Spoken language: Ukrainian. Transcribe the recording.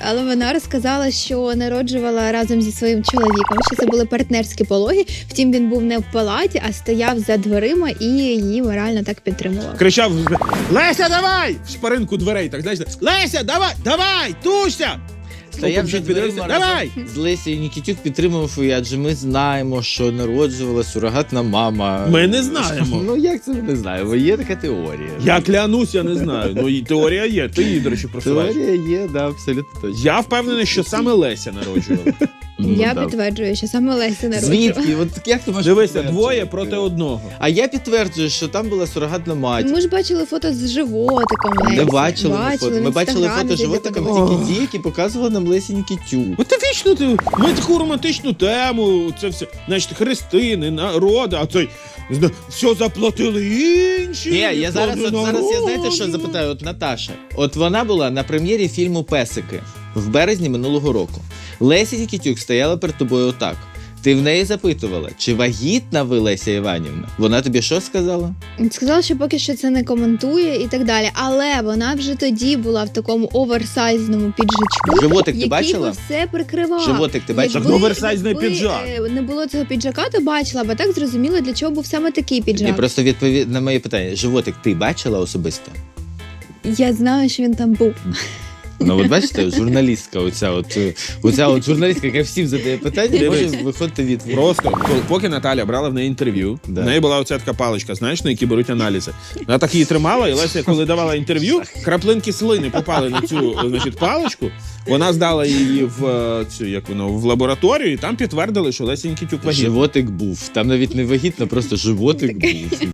але вона розказала, що народжувала разом зі своїм чоловіком, що це були партнерські пологи. Втім, він був не в палаті, а стояв за дверима і її морально так підтримував. Кричав: Леся, давай! В шпаринку дверей, так, знаєш, Леся, давай, тушся! Стояв за дверима давай! з Лесією Нікітюк, підтримував її, адже ми знаємо, що народжувала сурогатна мама. Ми не знаємо. Ну як це ми не знаємо? Є така теорія. Я клянусь, я не знаю. Ну і теорія є. Ти її, до речі, просуваєш. Теорія є, да, абсолютно точно. Я впевнений, що саме Леся народжувала. Я да. підтверджую, що саме Леся народжувала. Звідки? От як ти можеш Дивися, підтверджувати? двоє проти одного. А я підтверджую, що там була сурогатна мать. Ми ж бачили фото з животиком Лесі. Не бачили ми фото. в Ми бачили Інстаграмі фото десь животиками такого. тільки ті, які показували нам Лесі Нікітюк. От ти вічно ми таку романтичну тему, це все, значить, хрестини, народи, а цей все заплатили інші. Ні, я зараз я знаєте, що народжували. запитаю? От Наташа. От вона була на прем'єрі фільму «Песики» в березні минулого року. Леся Нікітюк стояла перед тобою отак. Ти в неї запитувала, чи вагітна ви, Леся Іванівна? Вона тобі що сказала? Сказала, що поки що це не коментує і так далі. Але вона вже тоді була в такому оверсайзному піджачку, Животик ти який бачила? би все прикривав. Животик ти бачила? Так, оверсайзний піджак. Не було цього піджака, то бачила, бо так зрозуміло, для чого був саме такий піджак. Ні, просто відповідь на моє питання. Животик ти бачила особисто? Я знаю, що він там був. Ну, от бачите, журналістка, оця от журналістка, яка всім задає питання, може Дивись. виходити відповідь. Просто, поки Наталя брала в неї інтерв'ю, Да. в неї була оця така паличка, знаєш, на які беруть аналізи. Вона так її тримала, і Леся, коли давала інтерв'ю, краплинки слини попали на цю, значить, паличку. Вона здала її в цю, як воно, в лабораторію, і там підтвердили, що Леся Нікітюк вагітна. Животик був. Там навіть не вагітно, просто животик був.